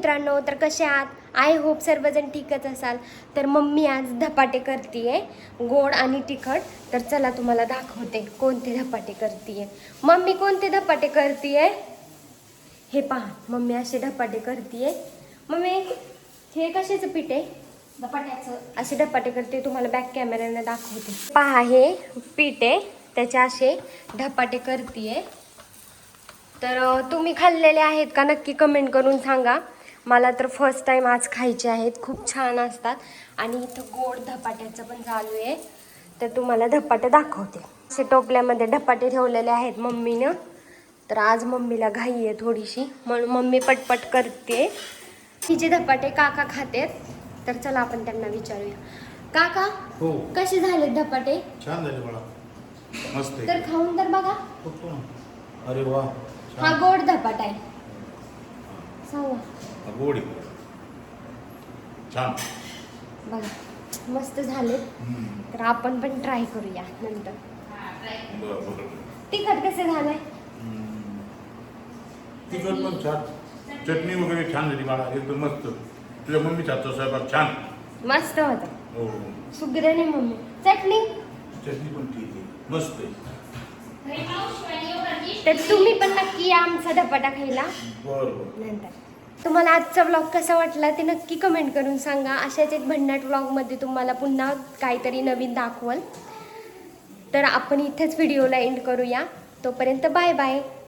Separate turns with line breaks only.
मित्रांनो, तर कसे आहात? आय होप सर्वजण ठीकच असाल. तर मम्मी आज धपाटे करतीये, गोड आणि तिखट. तर चला तुम्हाला दाखवते कोणते धपाटे करतीये. मम्मी कोणते धपाटे करतीये? हे पहा, मम्मी असे धपाटे करतीये. मम्मी हे कशाचं पीठ आहे? धपाट्याचं. असे धपाटे करते, तुम्हाला बॅक कॅमेऱ्याने दाखवते. पहा, हे पीठ आहे, त्याचे असे धपाटे करतीये. तर तुम्ही खाल्लेले आहेत का नक्की कमेंट करून सांगा. मला तर फर्स्ट टाइम आज खायचे आहेत, खूप छान असतात. आणि इथं गोड धपाट्याचं पण चालू आहे, तर तुम्हाला धपाटे दाखवते. असे टोपल्यामध्ये धपाटे ठेवलेले आहेत मम्मीनं. तर आज मम्मीला घाई आहे थोडीशी, म्हणून मम्मी पटपट करते. तिचे धपाटे काका खातेत, तर चला आपण त्यांना विचारूया. काका,
हो,
कसे झाले धपाटे?
छान झाले मला, मस्त आहे.
तर खाऊन तर बघा.
बघतो ना. अरे वा,
हा
छान.
गोड धपाटा आहे. सांगा.
हा, गोड आहे. छान.
बघा, मस्त झाले.
हम्म.
तर आपण पण ट्राय करूया नंतर.
बरं बरं.
तिखट कसे झालंय?
हम्म. तिखट पण छान, चटणी वगैरे छान झाली मला, एकदम मस्त. तुझ्या मम्मीचा हातचा स्वयंपाक छान.
मस्त होतं.
हो,
सुगरण मम्मी. चटणी
चटणी पण ठीक आहे, मस्त आहे.
तर तुम्ही पण नक्की या आमचा धपाटा खायला
बरं बरं.
नंतर. तुम्हाला आजचा व्लॉग कसा वाटला ते नक्की कमेंट करून सांगा. अशाच एक भन्नाट व्लॉगमध्ये तुम्हाला पुन्हा काहीतरी नवीन दाखवल. तर आपण इथेच व्हिडिओला एंड करूया. तोपर्यंत बाय बाय.